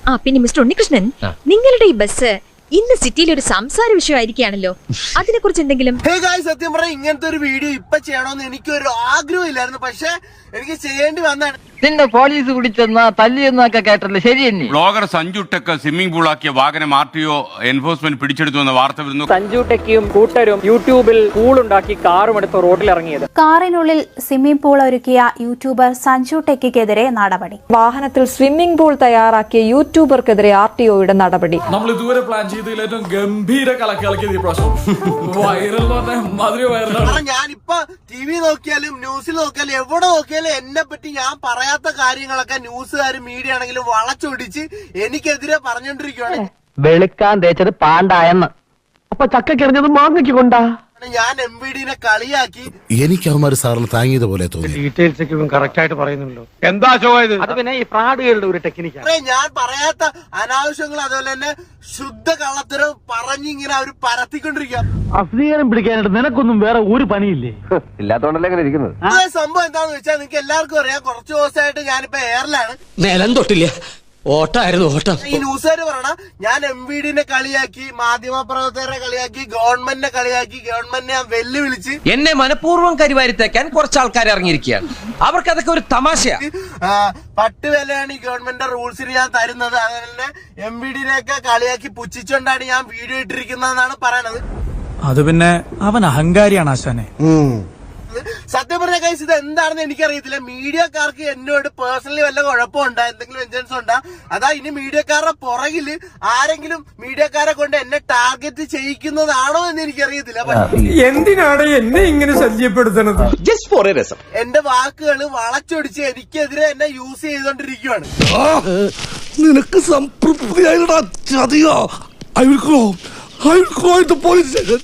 പിന്നെ മിസ്റ്റർ ഉണ്ണികൃഷ്ണൻ, നിങ്ങളുടെ ഈ ബസ് ഇന്ന് സിറ്റിയിൽ ഒരു സംസാര വിഷയമായിരിക്കുകയാണല്ലോ, അതിനെ കുറിച്ച് എന്തെങ്കിലും? സത്യം പറഞ്ഞാൽ ഇങ്ങനത്തെ ഒരു വീഡിയോ ഇപ്പൊ ചെയ്യണമെന്ന് എനിക്കൊരു ആഗ്രഹം ഇല്ലായിരുന്നു, പക്ഷെ എനിക്ക് ചെയ്യേണ്ടി വന്നാണ്. നിന്റെ പോലീസ് പിടിച്ചെന്നാ തല്ലിയെന്നൊക്കെ കേട്ടല്ലേ, ശരി തന്നെ? ബ്ലോഗർ സഞ്ജു ടെക്ക് സ്വിമ്മിംഗ് പൂളാക്കിയ വാഹനം RTO എൻഫോഴ്സ്മെന്റ് പിടിച്ചെടുത്തു എന്ന വാർത്ത വരുന്നു. സഞ്ജു ടെക്കിയും കൂട്ടരും യൂട്യൂബിൽ പൂളുണ്ടാക്കി കാറും എടുത്ത് റോഡിലിറങ്ങിയത്. കാറിനുള്ളിൽ സ്വിമ്മിംഗ് പൂൾ ഒരുക്കിയ യൂട്യൂബർ സഞ്ജു ടെക്കിക്കെതിരെ നടപടി. വാഹനത്തിൽ സ്വിമ്മിംഗ് പൂൾ തയ്യാറാക്കിയ യൂട്യൂബർക്കെതിരെ RTOയുടെ നടപടി. നമ്മൾ ഇതുവരെ പ്ലാൻ ചെയ്തതിൽ ഏറ്റവും ഗംഭീര കലക്കിയ പ്രശ്നം വൈറൽ വൈറലാണ്. ഞാനിപ്പോ TV നോക്കിയാലും ന്യൂസിൽ നോക്കിയാലും എവിടെ നോക്കിയാലും എന്നെ പറ്റി ഞാൻ പറയാത്ത കാര്യങ്ങളൊക്കെ ന്യൂസുകാരും മീഡിയ ആണെങ്കിലും വളച്ചൊടിച്ച് എനിക്കെതിരെ പറഞ്ഞോണ്ടിരിക്കുകയാണ്. വെളുക്കാൻ തേച്ചത് പാണ്ടായെന്ന്, അപ്പൊ ചക്കെറിഞ്ഞത് മാങ്ങയ്ക്ക് കൊണ്ടാ. ഞാൻ MVD-നെ കളിയാക്കി. എനിക്ക് അവന്മാര് സാറിന് താങ്ങിയത് പോലെ തോന്നി. ഡീറ്റെയിൽസ് ഒക്കെ കറക്റ്റ് ആയിട്ട് പറയുന്നുണ്ടോ? എന്താ ചോദിച്ചത്? അത് പിന്നെ ഈ ഫ്രോഡുകളുടെ ഒരു ടെക്നിക്കാണ്. ഞാൻ പറയാത്ത അനാവശ്യങ്ങൾ അതുപോലെ തന്നെ ശുദ്ധ കള്ളത്തരം പറഞ്ഞിങ്ങനെ അവര് പരത്തിക്കൊണ്ടിരിക്കുക. അഫ്രീകരണം പിടിക്കാനായിട്ട് നിനക്കൊന്നും വേറെ ഒരു പണിയില്ലേ? ഇല്ലാത്തോണ്ടല്ലേ അങ്ങനെ ഇരിക്കുന്നത്. സംഭവം എന്താന്ന് വെച്ചാൽ നിങ്ങൾക്ക് എല്ലാവർക്കും അറിയാം, കുറച്ച് ദിവസമായിട്ട് ഞാനിപ്പോ എയറിലാണ്. നിലം തൊട്ടില്ല, ഓട്ടായിരുന്നു ഓട്ടം. ഈ ന്യൂസുകാര് പറയണ ഞാൻ MVD-നെ കളിയാക്കി, മാധ്യമ പ്രവർത്തകരെ കളിയാക്കി, ഗവൺമെന്റിനെ കളിയാക്കി, ഗവൺമെന്റിനെ ഞാൻ വെല്ലുവിളിച്ച്. എന്നെ മനഃപൂർവ്വം കരിവാരിത്തേക്കാൻ കുറച്ച് ആൾക്കാർ ഇറങ്ങിയിരിക്കുകയാണ്. അവർക്ക് അതൊക്കെ ഒരു തമാശയാ. 10 വിലയാണ് ഈ ഗവൺമെന്റ് റൂൾസിന് ഞാൻ തരുന്നത്. അതുപോലെ തന്നെ MVD-നെയൊക്കെ കളിയാക്കി പുച്ഛിച്ചുകൊണ്ടാണ് ഞാൻ വീഡിയോ ഇട്ടിരിക്കുന്നതെന്നാണ് പറയണത്. അത് പിന്നെ അവൻ അഹങ്കാരിയാണ് ആശാനെ. സത്യം പറഞ്ഞ കേസ് ഇത് എന്താണെന്ന് എനിക്കറിയത്തില്ല. മീഡിയക്കാർക്ക് എന്നോട് പേഴ്സണലി വല്ല കുഴപ്പമുണ്ടോ, എന്തെങ്കിലും വെഞ്ചൻസ് ഉണ്ടോ? അതാ ഇനി മീഡിയക്കാരുടെ പുറകില് ആരെങ്കിലും മീഡിയക്കാരെ കൊണ്ട് എന്നെ ടാർഗറ്റ് ചെയ്യിക്കുന്നതാണോ എന്ന് എനിക്കറിയത്തില്ല. എന്തിനാണ് എന്നെ ഇങ്ങനെ ശല്യപ്പെടുത്തുന്നത്? എന്റെ വാക്കുകൾ വളച്ചൊടിച്ച് എനിക്കെതിരെ എന്നെ യൂസ് ചെയ്തോണ്ടിരിക്കുകയാണ്. നിനക്ക് സംതൃപ്തിയായിട്ടാ ചതിയോ? I will call the police.